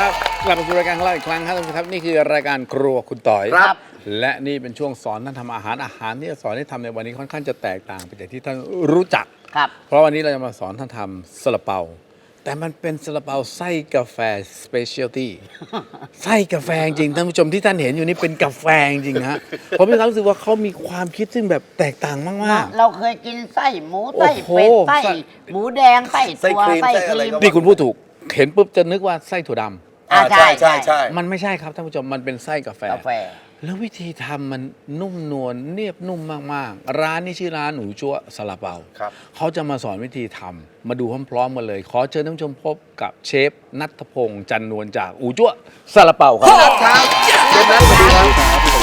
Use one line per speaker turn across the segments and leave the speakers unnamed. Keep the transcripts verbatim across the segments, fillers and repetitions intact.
ครับกลับมาสู่รายการของเราอีกครั้งครับท่านผู้ชมครับนี่คือรายการครัวคุณต่อยครับและนี่เป็นช่วงสอนท่านทำอาหารอาหารที่จะสอนให้ทำในวันนี้ค่อนข้างจะแตกต่างไปจากที่ท่านรู้จัก
ครับ
เพราะวันนี้เราจะมาสอนท่านทำซาลาเปาแต่มันเป็นซาลาเปาไส้กาแฟสเปเชียลตี้ไส้กาแฟจริงท่านผู้ชมที่ท่านเห็นอยู่นี่เป็นกาแฟจริงฮะผมมีความรู้สึกว่าเขามีความคิดซึ่งแบบแตกต่างมากๆ
เราเคยกินไส้หมูไส้เป็ดไส้หมูแดงไส้ตัวไส้ครีม
นี่คุณพูดถูกเห็นปุ๊บจะนึกว่าไส้ถั่วดำ
อ่าใช่ใช่ใช่
มันไม่ใช่ครับท่านผู้ชมมันเป็นไส้กาแฟ
กาแฟ
แล้ววิธีทำมันนุ่มนวลเนียบนุ่มมากๆร้านนี้ชื่อร้านหนูจั๊วซาลาเปาเขาจะมาสอนวิธีทำมาดูพร้อมๆกันเลยขอเชิญท่านผู้ชมพบกับเชฟนัทพงษ์จันนวลจากอูจั๊วซาลาเปาครับครับเชฟนัทสวัสดีครับ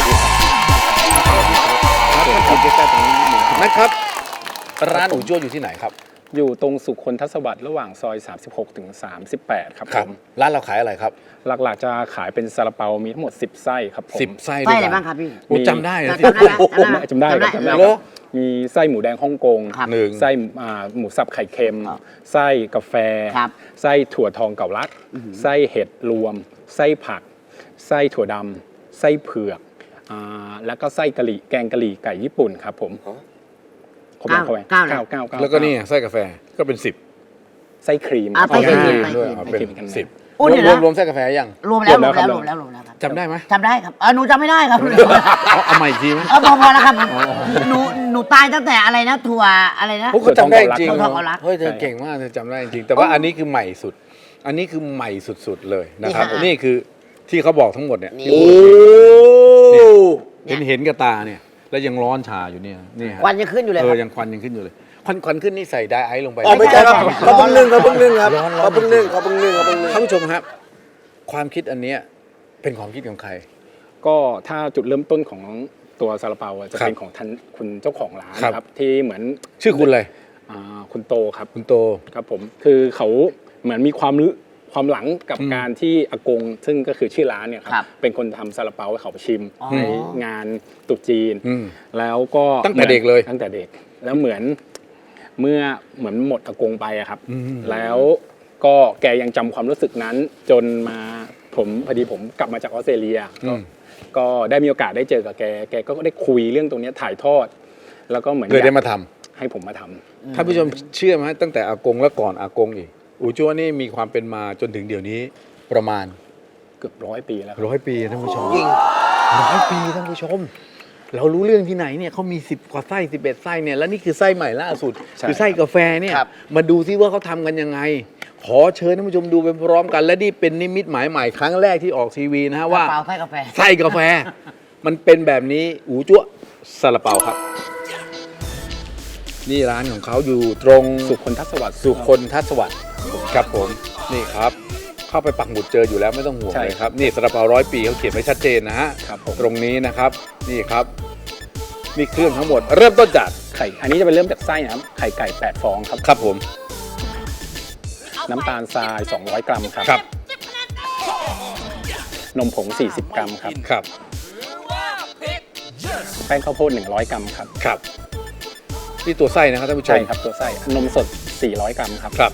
นะครับร้านอูจั๊วอยู่ที่ไหนครับ
อยู่ตรงสุคนทศวรรษระหว่างซอยสามสิบหกถึงสามสิบแปดครับผม
ร้านเราขายอะไรครับ
หลักๆจะขายเป็นซาลาเปามีทั้งหมดสิบไส้ครับผม
สิบไส้
ไส้อะไรบ้างครับพี่
จำได้เหรอ
จำได้จำได้มีไส้หมูแดงฮ่องกง
หนึ่ง
ไส้หมูสับไข่เค็มไส้กาแฟไส้ถั่วทองเก่าลัดไส้เห็ดรวมไส้ผักไส้ถั่วดำไส้เผือกแล้วก็ไส้กะหรี่แกงกะหรี่ไก่ญี่ปุ่นครับผม
เก้าเก้าเก้า
แล้วก็นี่ไส้กาแฟก็เป็นสิบ
ไส้ครีม
ไส้ครีม
ด้วยเป็นสิบรวมรวมไส้กาแฟยัง
รวมแล้วรวมแล้วรวมแล้วรวมแล้วครับ
จำได้ไหม
จำได้ครับเออหนูจำไม่ได้ครับ
เอาใหม่อีกทีไหม
เออพอพอแล้วครับหนูหนูตายตั้งแต่อะไรนะถั่วอะไรนะ
เขาจำได้จริง
เ
ฮ้ยเธอเก่งมากเธอจำได้จริงแต่ว่าอันนี้คือใหม่สุดอันนี้คือใหม่สุดๆเลยนะครับนี่คือที่เขาบอกทั้งหมดเนี่ยโอ้เห็นเห็นกับตาเนี่ยแล้วยังร้อนชาอยู่เนี่ยนี่
ควันยังขึ้นอยู่เลย
เออยังควันยังขึ้นอยู่เลยควันควันขึ้นนี่ใส่ไดไอซ์ลงไป
อ๋อไม่ใช่ครับเขาเพิ่งนึ่งเขาเพิ่งนึ่งครับเขาเพิ่งนึ่งเขาเพิ่งนึ่งเขาเพิ่งนึ่ง
ท่านผู้ชมครับความคิดอันเนี้ยเป็นความคิดของใคร
ก็ถ้าจุดเริ่มต้นของตัวซาลาเปาจะเป็นของท่านคุณเจ้าของร้านครับที่เหมือน
ชื่อคุณอะไร
คุณโตครับ
คุณโต
ครับผมคือเขาเหมือนมีความรู้ความหลังกับการที่อากงซึ่งก็คือชื่อร้านเนี่ยครับเป็นคนทำซาลาเปาให้เขาไปชิมในงานตุ๊จีนแล้วก็
ตั้งแต่เด็กเลย
ตั้งแต่เด็กแล้วเหมือนเมื่อเหมือนหมดอากงไปอะครับแล้วก็แกยังจำความรู้สึกนั้นจนมาผมพอดีผมกลับมาจากออสเตรเลียก็ได้มีโอกาสได้เจอกับแกแกก็ได้คุยเรื่องตรงนี้ถ่ายทอดแล้วก็เหมือน
เลยได้มาท
ำให้ผมมาทำ
ท่านผู้ชมเชื่อไหมตั้งแต่อากงและก่อนอากงอีกอูจั๊วนี่มีความเป็นมาจนถึงเดี๋ยวนี้ประมาณ
เกือบร้อยปีแล้ว
ร้อยปีท่านผู้ชมจริงร้อยปีท่านผู้ชมเรารู้เรื่องที่ไหนเนี่ยเขามีสิบกว่าไส้สิบเอ็ดไส้เนี่ยแล้วนี่คือไส้ใหม่ล่าสุดคือไส้กาแฟเนี่ยมาดูซิว่าเขาทำกันยังไงขอเชิญท่านผู้ชมดูไปพร้อมกันและนี่เป็นนิมิตหมายใหม่ครั้งแรกที่ออกทีวีนะฮะว่า
ไส้กาแฟ
ไส้กาแฟมันเป็นแบบนี้อูจั๊วซาลาเปาครับนี่ร้านของเขาอยู่ตรง
สุคนทศวรรษ
สุคนทศวรรษครับผมนี่ครับเข้าไปปักหมุดเจออยู่แล้วไม่ต้องห่วงเลยครับนี่ซาลาเปาร้อยปีเขาเขียนไว้ชัดเจนนะฮะตรงนี้นะครับนี่ครับมีเครื่องทั้งหมดเริ่มต้นจาก
ไข่อันนี้จะเป็นเริ่มจากไส้นะครับไข่ไก่แปดฟองครับ
ครับผม
น้ำตาลทรายสองร้อยกรัมครับ
ครับ
นมผงสี่สิบกรัมครับ
ครับ
แป้งข้าวโพดหนึ่งร้อยกรัมครับ
ครับนี่ตัวไส้นะครับท่านผู้ชม
ใช่ครับตัวไส้นมสดสี่ร้อยกรัมครับ
ครับ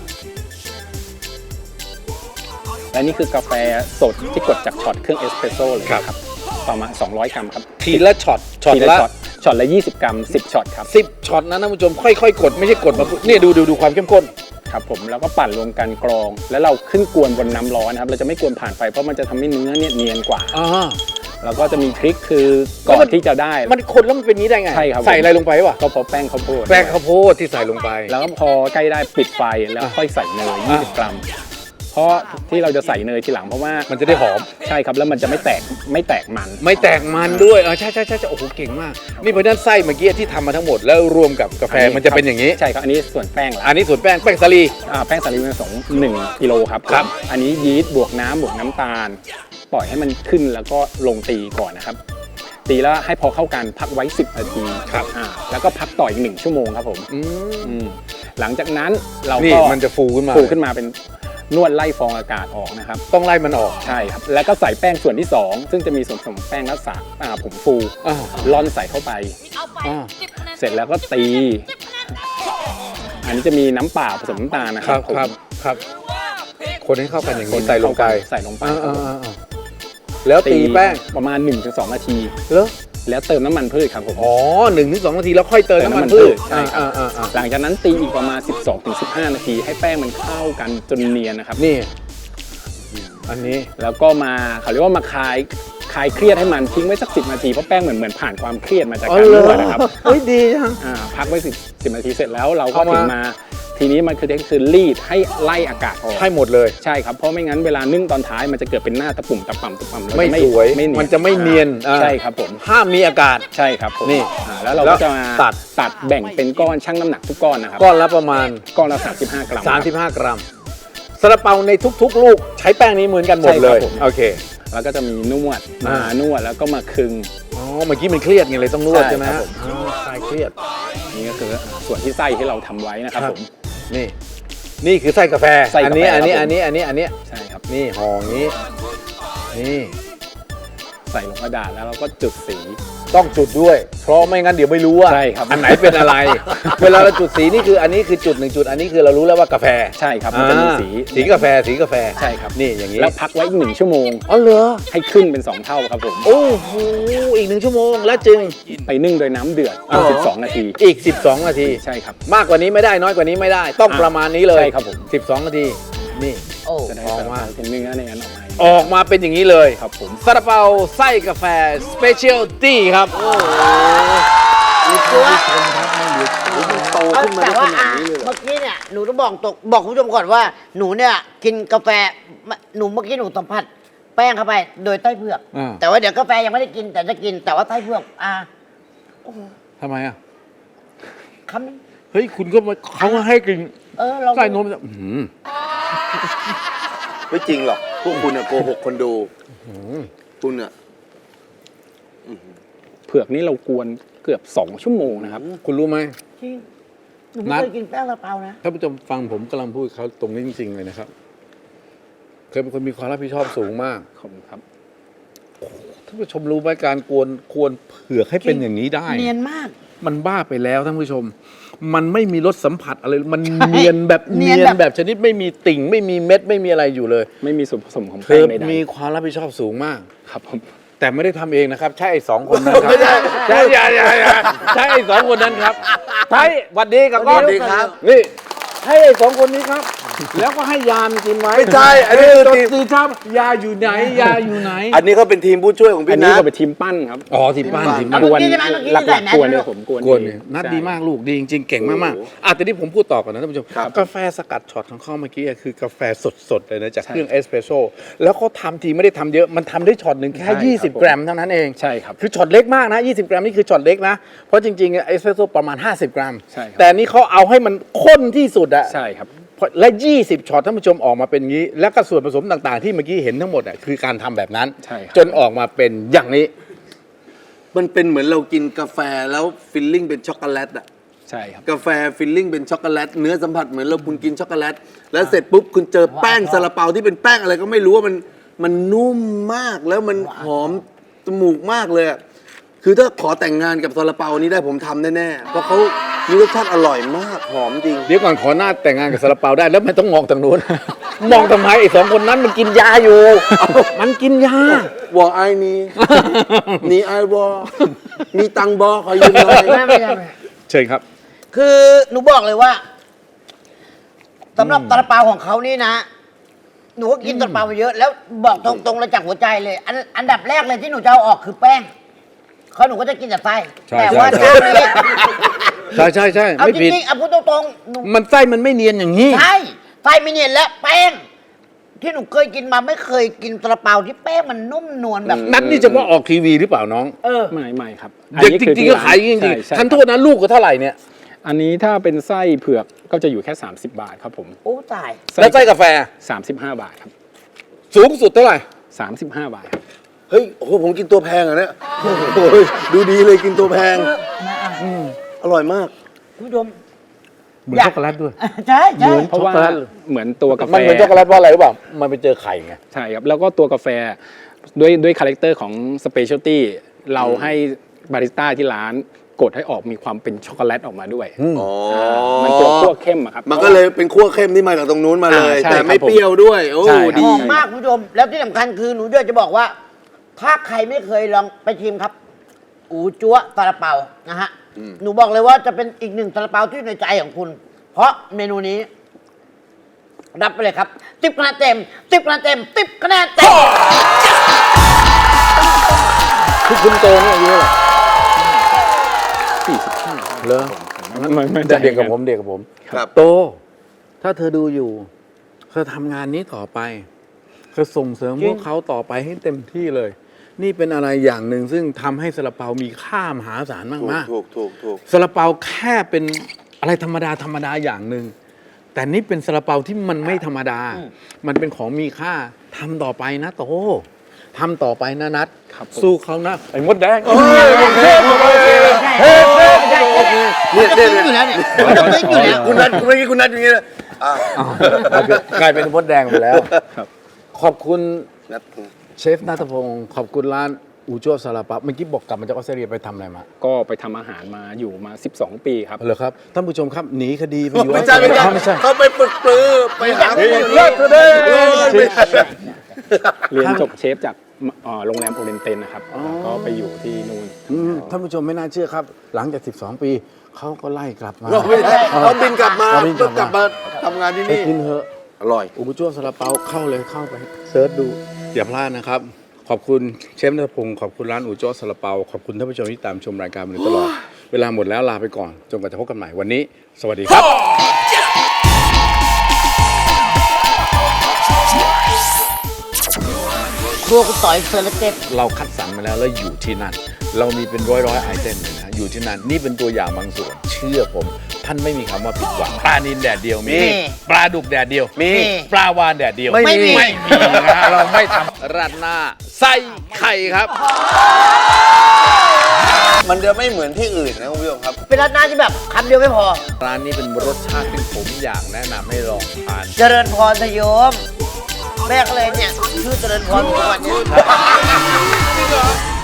และนี่คือกาแฟสดที่กดจากช็อตเครื่องเอสเปรสโซ่เลยครับประมาณสองร้อยกรัมครับ
ทีละช็อต
ช็อตละช็อตละยี่สิบกรัมสิบช็อตครับ
สิบช็อตนะท่านผู้ชมค่อยๆกดไม่ใช่กดมาเนี่ยดูดูดูความเข้มข้น
ครับผมแล้วก็ปั่นรวมกันกรองแล้วเราขึ้นกวนบนน้ำร้อนนะครับเราจะไม่กวนผ่านไฟเพราะมันจะทำให้เนื้อเนี่ยเนียนกว่าแล้วก็จะมีทริคคือก่อนที่จะได้
มันคนแล้วมันเป็นนี้ได้ไง
ใช่ครับ
ใส่อะไรลงไปวะ
ก็พอแป้งข้าวโพด
แป้งข้าวโพดที่ใส่ลงไป
แล้วก็พอใกล้ได้ปิดไฟแล้วค่อยใส่เนยยี่สิบกรัมเพราะที่เราจะใส่เนยทีหลังเพราะว่า
มันจะได้หอม
ใช่ครับแล้วมันจะไม่แตกไม่แตกมัน
ไม่แตกมันด้วยเออใช่ใช่ใช่โอ้โหเก่งมากนี่เพราะนั้นไส้เมื่อกี้ที่ทำมาทั้งหมดแล้วรวมกับกาแฟมันจะเป็นอย่างนี้
ใช่ครับอันนี้ส่วนแป้ง
อันนี้ส่วนแป้งแป้งสาลี
อ่าแป้งสาลีผสมหนึ่งกิโลครับ
ครับ
อันนี้ยีสต์บวกน้ำบวกน้ำตาลปล่อยให้มันขึ้นแล้วก็ลงตีก่อนนะครับตีแล้วให้พอเข้ากันพักไว้สิบนาที
ครับ
อ่าแล้วก็พักต่ออีกหนึ่งชั่วโมงครับผม
อื
มหลังจากนั้นเรา
ก็มันจะฟูขึ้นมา
ฟูขึ้นมาเป็นนวดไล่ฟองอากาศออกนะครับ
ต้องไล่มันออก
ใช่ครับแล้วก็ใส่แป้งส่วนที่สองซึ่งจะมีส่วนผสมแป้งและสารผงฟูล่อนใส่เข้าไปเสร็จแล้วก็ตีอันนี้จะมีน้ำเปล่าผสมน้ำตาลนะครับ
ครับครับคนให้เข้ากันอย่าง
ค
นี้
น
ใส่ลงไป
ใส่ลงไป
อ่าๆๆๆแล้วตีแป้ง
ประมาณ หนึ่งถึงสอง นาที
แล้ว
แล้วเติมน้ำมันพืชครับผม
อ๋อหนึ่งถึงสองนาทีแล้วค่อยเติมน้ำมันพืช
ใช่ครับ
อ่าๆๆ
หลังจากนั้นตีอีกประมาณ สิบสองถึงสิบห้า นาที ให้แป้งมันเข้ากันจนเนียนนะครับ
นี่ อันนี้
แล้วก็มาเขาเรียกว่ามาคลายคลายเครียดให้มันทิ้งไว้สักสินาทีเพราะแป้งเหมือนเหมือนผ่านความเครียดมาจาก
อ๋อ
การ
เหร
น
อ
วดนะครับ
เฮ้ยดีจัง
อ่าพักไว้สิบสิบนาทีเสร็จแล้วเราก็
เอามา
ถึงมาทีนี้มันคือคือรีดให้ไล่อากาศออก
ให้หมดเลย
ใช่ครับเพราะไม่งั้นเวลานึ่งตอนท้ายมันจะเกิดเป็นหน้าตะปุ่มตะป่ำตะป่ำแล้ว
ไม่
จะ
สวย
ไม่เนียน
มันจะไม่เนียนอ่า
ใช่ครับผม
ห้ามมีอากาศ
ใช่ครับผม
นี่
อ่าแล้วเรา
แล้
ก็
ว
จะมา
ตัด
ตัดแบ่งเป็นก้อนชั่งน้ำหนักทุกก้อนนะครับ
ก้อนละประมาณ
ก้อนละสามสิบห้ากรัมครับ
สามสิบห้ากรัมซาลาเปาในทุกๆ ลูกใช้แป้งนี้เหมือนกันหมด
ใช่ครับ
เลย
ผม
โอเค
แล้วก็จะมีนวด
อ่าม
านวดแล้วก็มาคึง
อ๋อเมื่อกี้มันเครียดไงเลยต้องนวด
ใช่
ใช่ไหม
ครับ
ฮะ
ผม
อ๋อคลายเครียด
นี่ก็คือส่วนที่ไส้ที่เราทำไว้นะครับ
ครับ
ผม
นี่ นี่คือไส้กาแฟ
ไส้
อั
กาแฟ
นี้ อันนี้
ครับผม
อันนี้อันนี้อันนี้
ใช่ครับ
นี่ห่ออย่างนี้ นี่
ใส่ลงกระดาษแล้วเราก็จุดสี
ต้องจุดด้วย เพราะไม่งั้นเดี๋ยวไม่รู้ว่า
ใช่ครับ
อันไหนเป็นอะไร เวลาเราจุดสีนี่คืออันนี้คือจุดหนึ่งจุด อันนี้คือเรารู้แล้วว่ากาแฟ
ใช่ครับมันจะมีสี
อ่าสีกาแฟสีกาแฟ
ใช่ครับ
นี่อย่างนี้
แล้วพักไว้อีกหนึ่งชั่วโมง
อ๋อเหรอ
ให้ขึ้นเป็นสองเท่าครับผม
โอ้โหอีกหนึ่งชั่วโมงแล้วจึง
ไปนึ่งโดยน้ำเดือด
อ๋อ
สิบสองนาที
อีก สิบสอง นาที
ใช่ครับ
มากกว่านี้ไม่ได้น้อยกว่านี้ไม่ได้ ต้อง
อ่า
ประมาณนี้เลย
ใช่ครับผม
สิบสอง นาที นี่
โอ้
จะได้
ออกมา
เป็นเนื้อในนั้นออกมา
ออกมาเป็นอย่างนี้เลย
ครับผม
ซาลาเปาไส้กาแฟสเปเชียลตี้ครับ
ตัว
โตขึ้นมา
แต่
ได้ข
ว่า
นา
อ่ะ
ดนี้เลยเหรอ
เมื่อกี้เนี่ยหนูต้องบอกตกบอกคุณผู้ชมก่อนว่าหนูเนี่ยกินกาแฟหนูเมื่อกี้หนูสัมผัสแป้งเข้าไปโดยไต้เผือก
อ่า
แต่ว่าเดี๋ยวกาแฟยังไม่ได้กินแต่จะกินแต่ว่าไต้เผือกอ่ะ
ทำไมอ่ะ
คำนึง
เฮ้ย คุณก็มาเขาก็ให้กิน
เออเรา
ไส้นมอื้อหือ
ไม่จริงหรอก พวกคุณอะโกหกคนดู คุณอะ
เผือกนี่เรากวนเกือบสองชั่วโมงนะครับ
คุณรู้ไหม
จริงหนู
นั
ไม่
ด
เคยกินแป้งซาลาเปานะ
ท่านผู้ชมฟังผมกำลังพูดเขาตรงนี้จริง ๆ เลยนะครับ เคยเป็นคนมีความรับผิดชอบสูงมาก
ขอบคุณครับ
ท่านผู้ชมรู้ไหมการกวนกวนเผือกให้เป็นอย่างนี้ได้
เนียนมาก
มันบ้าไปแล้วท่านผู้ชม มันไม่มีรสสัมผัสอะไร มันเนียนแบบ
เนี
เนี
ย
ย
น
น
แบบ
แบบชนิดไม่มีติ่ง ไม่มีเม็ดไม่มีอะไรอยู่เลย
ไม่มีส่วนผสมของ
เธ
แป้ง
อ
ใด
มีความรับผิดชอบสูงมาก
ๆครับผม
แต่ไม่ได้ทำเองนะครับ ใช่ไอ้สองคนนั้นครับใช่ใช่ใช่ใช่ใช่ไอ้สองคนนั้นครับใช่หวัดดีกับก้อน
สวัสดีครับ
นี่ให้ไอ้สองคนนี้ครับ แล้วก็ให้ยามกินไว้
ไม่ใช่อันนี้คือ
จ
ทีม
ตื่นเช้ายาอยู่ไหนยาอยู่ไหน
อันนี้เขาเป็นทีมผู้ช่วยของ
อั
พี่
นนี้
นัท
ก็เป็นทีมปั้นครับ
อ๋อทีมบ้านทีมบ้าน
เมื่อกี้ใช่ไหมเมื่อกี้
หลัก
ใส่
ๆ
แมส
กวนเนี่ย
ด้วย
ผมกวน
กวนเนี่ย
เอง
นัด
ใช่
ดีมากลูกดีจริงๆเก่งมากๆอ่ะแต่ที่ผมพูดต่อก่อนนะท่านผู้ชม
ครับ
กาแฟสกัดช็อตของเขาเมื่อกี้อะคือกาแฟสดๆเลยนะจากเครื่องเอสเปรสโซ่แล้วเขาทำทีไม่ได้ทำเยอะมันทำได้ช็อตหนึ่งแค่ยี่สิบกรัมเท่านั้นเอง
ใช่ครับ
คือช็อตเล็กมากนะยี่สิบกรัมนี่คือช็อตเล็กนะเพราะจริงๆเอสเปรสโซ่ประมาณห้าสิบกรัม
ใช่ครับ
แต่อันนี้เขาเอาให้มันข้นที่สุดอะ
ใช่ครับ
และยี่สิบช็อตท่านผู้ชมออกมาเป็นงี้ แล้วก็ส่วนผสมต่างๆ ที่เมื่อกี้เห็นทั้งหมดอะคือการทำแบบนั้น
ใช่ครับ
จนออกมาเป็นอย่างนี้
มันเป็นเหมือนเรากินกาแฟแล้วฟิลลิ่งเป็นช็อกโกแลตอะ
ใช่ครับ
กาแฟฟิลลิ่งเป็นช็อกโกแลตเนื้อสัมผัสเหมือนเราคุณกินช็อกโกแลตแล้วเสร็จปุ๊บคุณเจอแป้งซาลาเปาที่เป็นแป้งอะไรก็ไม่รู้ว่ามันมันนุ่มมากแล้วมันหอมจมูกมากเลยอะคือถ้าขอแต่งงานกับซาลาเปานี้ได้ผมทำแน่ๆเพราะเขามีรสชาติอร่อยมากหอมจริง
เดี๋ยวก่อนขอหน้าแต่งงานกับซาลาเปาได้แล้วไม่ต้องมองทางนู้น มองทำไมไอ้สองคนนั้นมันกินยาอยู่ มันกินยา
วอไอนี้นี่ไอวอมีตังบอขอยืมหน่อย
ไม่ไม่ไม่ไม่
เชิญครับ
คือหนูบอกเลยว่าสำหรับซาลาเปาของเขานี่นะ หนูก็กินซาลาเปามาเยอะ แล้วบอกตรงๆเลยจากหัวใจเลย อันอันดับแรกเลยที่หนูจะเอาออกคือแป้งเขาหนูก็จะกินแต่ไส้
ใช่
แต่ว่า
ใช่
เจ้านี้
ใช่ใช่ใช่
เอา
ไม่
จ
ผิด
ริงๆเอาพูดตรงๆหนู
มันไส้มันไม่เนียนอย่างนี้
ใช่ไส้ไม่เนียนและแป้ง ที่หนูเคยกินมาไม่เคยกินซาลาเปาที่แป้งมันนุ่มนวลแบบ
นัดนี่เฉพาะออกทีวีหรือเปล่าน้อง
เออ
ไม่ไม่ครับ
เด็กจริงๆก็ขายจริง
ใช่ใช่
ๆทันโทษนะลูกก็เท่าไหร่เนี่ย
อันนี้ถ้าเป็นไส้เผือกก็จะอยู่แค่ สามสิบบาทครับผม
โอ้ตาย
แล้วไส้กาแฟ
สามสิบห้าบาทครับ
สูงสุดเท่าไหร่
สามสิบห้าบาทครับ
เฮ้ยโอ้โหผมกินตัวแพงอ่ะเนี่ยโอ้โหดูดีเลยกินตัวแพงอร่อยมาก
คุณผู้ชม
เหมือนช็อกโกแลตด้วย
ใช่ใช่
เพราะว่า
ช็อกโกแลต
เหมือนตัวกาแฟ
มันเหมือนช็อกโกแลตเพราะอะไรรู้เปล่ามันไปเจอไข่ไง
ใช่ครับ แล้วก็ตัวกาแฟด้วยด้วยคาแรคเตอร์ของสเปเชียลตี้เราให้บาริสต้าที่ร้านกดให้ออกมีความเป็นช็อกโกแลตออกมาด้วย
อ๋อ
มันตัวคั่วเข้มอะครับ
มันก็เลยเป็นขั้วเข้มที่มาจากตรงนู้นมาเลย
อ่าใช่
แต่ไม่
ครับผม
เปรี้ยวด้วย โอ้
ใช่ครับ
ดี
หอมมากคุณผู้ชม แล้วที่สำคัญคือหนูจะบอกว่า ถ้าใครไม่เคยลองไปชิมครับ อูจั๊วซาลาเปานะฮะ หนูบอกเลยว่าจะเป็นอีกหนึ่งซาลาเปาที่อยู่ในใจของคุณ เพราะเมนูนี้ รับไปเลยครับติบคะแนนเต็มติบคะแนนเต็มติบคะแนนเต็ม
คือคุณโตนี่อายุเท่าไหร่
สี่สิบห้า
เหรอ
มันมันมัน
แต่เด็กกับผมเด็กกับผม
ครับ
โต ถ้าเธอดูอยู่ เธอทำงานนี้ต่อไป เธอส่งเสริมพวกเขาต่อไปให้เต็มที่เลย นี่เป็นอะไรอย่างหนึ่งซึ่งทำให้ซาลาเปามีค่ามหาศาล
ถูก
มาก
ถูกถูกถูก
ๆซาลาเปาแค่เป็นอะไรธรรมดาธรรมดาอย่างหนึ่ง แต่นี่เป็นซาลาเปาที่มันไม่ธรรมดา มันเป็นของมีค่าทำต่อไปนะโตทำต่อไปนะนัด
ครับผม
สู้เขานะไอ้มดแดง
เฮ้ยโอเคโอเคเฮ้ยเฮ้ยโอเคเนี่ยเนี่ย
อยู่แล้ว
เนี่ย
เนี่ยต้องติ๊กอยู่แล้ว
คุณนัทคุณเมื่อกี้คุณนัทอย่างนี้เลยอ่ะ
อ้าวกลายเป็นมดแดงไปแล้ว ขอบคุณ
นัท
เชฟนัทพงศ์ขอบคุณร้านอูจั่วซาลาเปาเมื่อกี้บอกกลับมาจากออสเตรเลียไปทำอะไรมา
ก็ไปทำอาหารมาอยู่มา สิบสอง ปีครับ
เหรอครับท่านผู้ชมครับหนีคดีไปอยู่
ไม่ใช่ไม่ใช่
อ้าวไม่ใช่
เขาไปปลุกปลือไปหาคนอยู่
เลิกเถอะเด้
เออไม่ใช่
เรียนจบเชฟจากเอ่อโรงแรมโอเรนเตนนะครับแล้วก็ไปอยู่ที่นู่น
อืมท่านผู้ชมไม่น่าเชื่อครับ หลังจาก สิบสอง ปีเขาก็ไล่กลับมา
ไม่ใช่เขาบินกลับมา
เขาบินกลับมา
กลับมาทำงานที่
ไป
นี่
กินเถอะ
อร่อย
อูจั่วซาลาเปาเข้าเลยเข้าไปเซิร์ชดูอย่าพลาดนะครับ ขอบคุณเชฟนัทพงศ์ขอบคุณร้านอูจั่วซาลาเปาขอบคุณท่านผู้ชมที่ตามชมรายการมาโดยตลอด เวลาหมดแล้วลาไปก่อนจนกว่าจะพบกันใหม่วันนี้ สวัสดีครับ
ครัวคุณต่อยเซอร์เลเต็ด
เราคัดสรรมาแล้วแล้วอยู่ที่นั่น เรามีเป็นร้อยร้อยๆไอเทมเลยนะอยู่ที่นั่นนี่เป็นตัวอย่างบางส่วน เชื่อผม ท่านไม่มีคำว่าผิดหวังปลานิลแดดเดียวมี
มี
ปลาดุกแดดเดียว
มี
ปลาวานแดดเดียว
ไม่มี
ไม่มีนะเราไม่ทำราดหน้าไส้ไข่ครับ
มันจะไม่เหมือนที่อื่นนะคุณผู้ชมครับ
เป็นร้านหน้าที่แบบคำเดียวไม่พอ
ร้านนี้เป็นรสชาติที่ผมอยากแนะนำให้ลองทาน
เจริญพรทโยม แม่ก็เลยเนี่ย ชื่อเจริญพรทุกวันเนี่ย